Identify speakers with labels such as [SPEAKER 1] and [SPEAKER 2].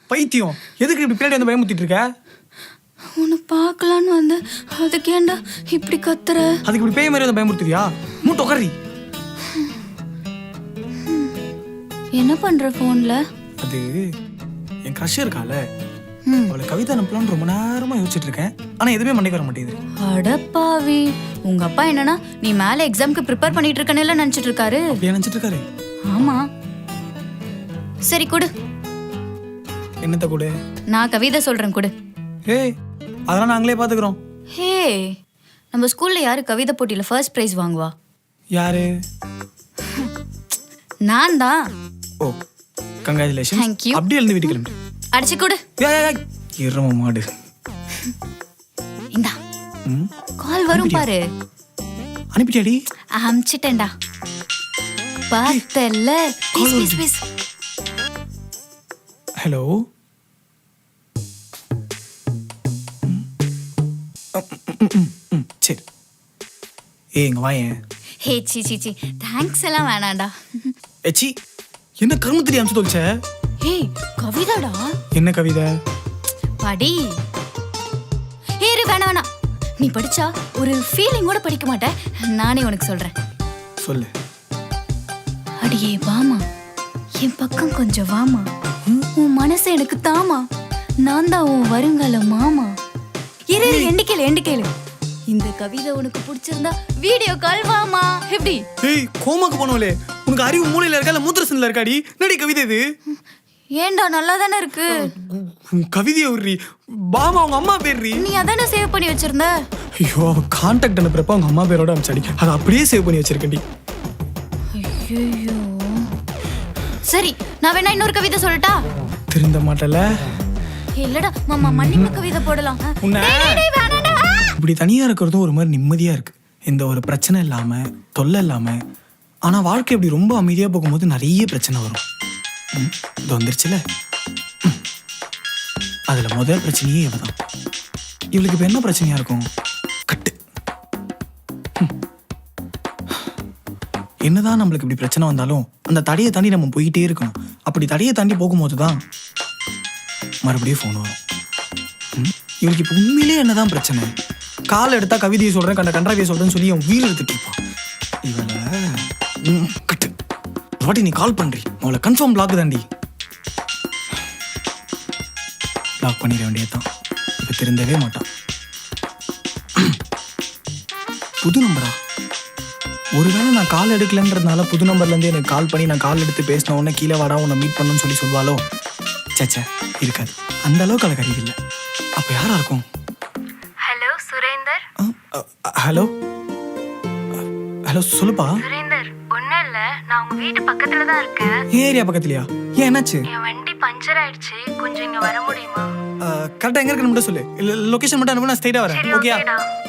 [SPEAKER 1] பைத்தியம், எதுக்கு இப்படி பின்னாடி வந்து பயமுத்திட்டு இருக்க?
[SPEAKER 2] உன்னை பார்க்கலான்னு வந்து அதுக்கு ஏன்டா இப்படி கத்துற?
[SPEAKER 1] அதுக்கு இப்படி பேய் மாதிரி வந்து பயமுறுத்துறியா? மூட்டை உட்காரி.
[SPEAKER 2] என்ன பண்ற போன்ல?
[SPEAKER 1] அது என் க்ரஷ் இருக்கால, அவளை கவிதை அனுப்பலான்னு ரொம்ப நேரமா யோசிச்சுட்டு இருக்கேன். ஆனா எதுவுமே மண்டைக்கு வர மாட்டேங்குது.
[SPEAKER 2] அடப்பாவி, உங்க அப்பா என்னன்னா நீ மேல எக்ஸாம்க்கு ப்ரிப்பேர் பண்ணிட்டு இருக்கனேல நினைச்சிட்டு இருக்காரு.
[SPEAKER 1] அப்படியே நினைச்சிட்டு இருக்காரு?
[SPEAKER 2] ஆமா. சரி கொடு.
[SPEAKER 1] என்னத்த கொடு?
[SPEAKER 2] நான் கவிதை சொல்றேன் கொடு.
[SPEAKER 1] ஏய், அதெல்லாம் நாங்களே பாத்துக்கிறோம்.
[SPEAKER 2] ஹே, நம்ம ஸ்கூல்ல யாரு கவிதை போட்டியில ஃபர்ஸ்ட் பிரைஸ் வாங்குவா?
[SPEAKER 1] யாரு?
[SPEAKER 2] நான் தான்.
[SPEAKER 1] Oh, congratulation.
[SPEAKER 2] Thank you.
[SPEAKER 1] அப்படியே எழுந்து வீட்டுக்கு கிளம்பு.
[SPEAKER 2] அடிச்சு கொடு.
[SPEAKER 1] இரம மாடு.
[SPEAKER 2] இந்தா கால் வரும் பாரு.
[SPEAKER 1] அனுப்பிட்டியாடி?
[SPEAKER 2] அம்ச்சிட்டேன்டா. பார்த்தல்ல. Please please.
[SPEAKER 1] ஹலோ. சரி. ஏய், இங்க வாயேன்.
[SPEAKER 2] ஹே சி சி சி, தேங்க்ஸ் எல்லாம் வேணாம்டா.
[SPEAKER 1] ஏச்சி, என்ன கருமத்திரி அம்சு தொலைச்ச?
[SPEAKER 2] ஏய், கவிதாடா.
[SPEAKER 1] என்ன கவிதை?
[SPEAKER 2] படி. ஏறு, வேணாம் வேணாம். நீ படிச்சா ஒரு ஃபீலிங்கோட படிக்க மாட்ட. நானே உனக்கு சொல்றேன்.
[SPEAKER 1] சொல்லு.
[SPEAKER 2] அடியே வாமா, என் பக்கம் கொஞ்சம் வாமா, உன் மனசை எனக்கு தாமா, நான் தான் உன் வருங்கால மாமா. இரு எண்டிக்கேளு. இந்த கவிதை உனக்கு பிடிச்சிருந்தா வீடியோ கால் வாமா. எப்படி?
[SPEAKER 1] ஏய், கோமாக்கு போனவளே, உனக்கு அறிவு மூளையில இருக்கா இல்ல மூத்திரசன்ல இருக்காடி? என்னடி கவிதை இது?
[SPEAKER 2] ஏண்டா நல்லா தானே இருக்கு.
[SPEAKER 1] கவிதையை விடுறி. பாமா அவங்க அம்மா பேர்றி.
[SPEAKER 2] நீ அதானே சேவ் பண்ணி வச்சிருந்த.
[SPEAKER 1] ஐயோ, அவ கான்டாக்ட் அனுப்புறப்ப அவங்க அம்மா பேரோட அனுப்பிச்சாடி. அதை அப்படியே சேவ் பண்ணி வச்சிருக்கேன்டி.
[SPEAKER 2] ஐயோ. சரி, நான் வேணா இன்னொரு கவிதை சொல்லட்டா?
[SPEAKER 1] திருந்த மாட்டல.
[SPEAKER 2] இல்லடா மாமா, மன்னிப்பு கவிதை போடலாம்.
[SPEAKER 1] இப்படி தனியா இருக்கிறதும் ஒரு மாதிரி நிம்மதியா இருக்கு. எந்த ஒரு பிரச்சனை இல்லாம, தொல்லை இல்லாம. ஆனா வாழ்க்கை இப்படி ரொம்ப அமைதியா போகும்போது நிறைய பிரச்சனை வரும். இது வந்துருச்சுல. அதுல முதல் பிரச்சனையே இவதான். இவளுக்கு இப்ப என்ன பிரச்சனையா இருக்கும்? கட்டு. என்னதான் நம்மளுக்கு இப்படி பிரச்சனை வந்தாலும் அந்த தடையை தாண்டி நம்ம போயிட்டே இருக்கணும். அப்படி தடையை தாண்டி போகும்போது தான் மறுபடியும் ஃபோன் வரும். இவளுக்கு இப்போ உண்மையிலே என்னதான் பிரச்சனை? கால் எடுத்தா கவிதையை சொல்றேன், கண்டாவியை சொல்றேன்னு சொல்லி அவன் வீடு எடுத்துட்டு இருப்பான். இவளை கட்டு. வாட்டி நீ கால் பண்றி, அவளை கன்ஃபார்ம் பிளாக் தாண்டி. பிளாக் பண்ணிட வேண்டியதுதான். இப்ப திருந்தவே மாட்டான். புது நம்பரா? ஒருவேளை நான் கால் எடுக்கலன்றதுனால புது நம்பர்ல இருந்து எனக்கு கால் பண்ணி நான் கால் எடுத்து பேசின உடனே கீழே வாடா உன்னை மீட் பண்ணணும்னு சொல்லி சொல்வாளோ? சேச்சே, இருக்காது. அந்த அளவுக்கு அவளுக்கு அறிவு இல்லை. அப்ப யாரா இருக்கும்?
[SPEAKER 3] ஹலோ சுரேந்தர்.
[SPEAKER 1] ஹலோ ஹலோ, சொல்லுப்பா.
[SPEAKER 3] சுரேந்தர், ஒன்றும் இல்லை, நான் உங்கள் வீட்டு பக்கத்தில் தான் இருக்கேன்.
[SPEAKER 1] ஏரியா பக்கத்துலையா? ஏன், என்னாச்சு?
[SPEAKER 3] என் வண்டி பஞ்சர் ஆயிடுச்சு, கொஞ்சம் இங்கே வர முடியுமா?
[SPEAKER 1] கரெக்டாக எங்கே இருக்குன்னு மட்டும் சொல்லு. இல்லை, லொக்கேஷன் மட்டும் அனுப்பு, நான் ஸ்ட்ரைட்டாக வரேன். ஓகேயா?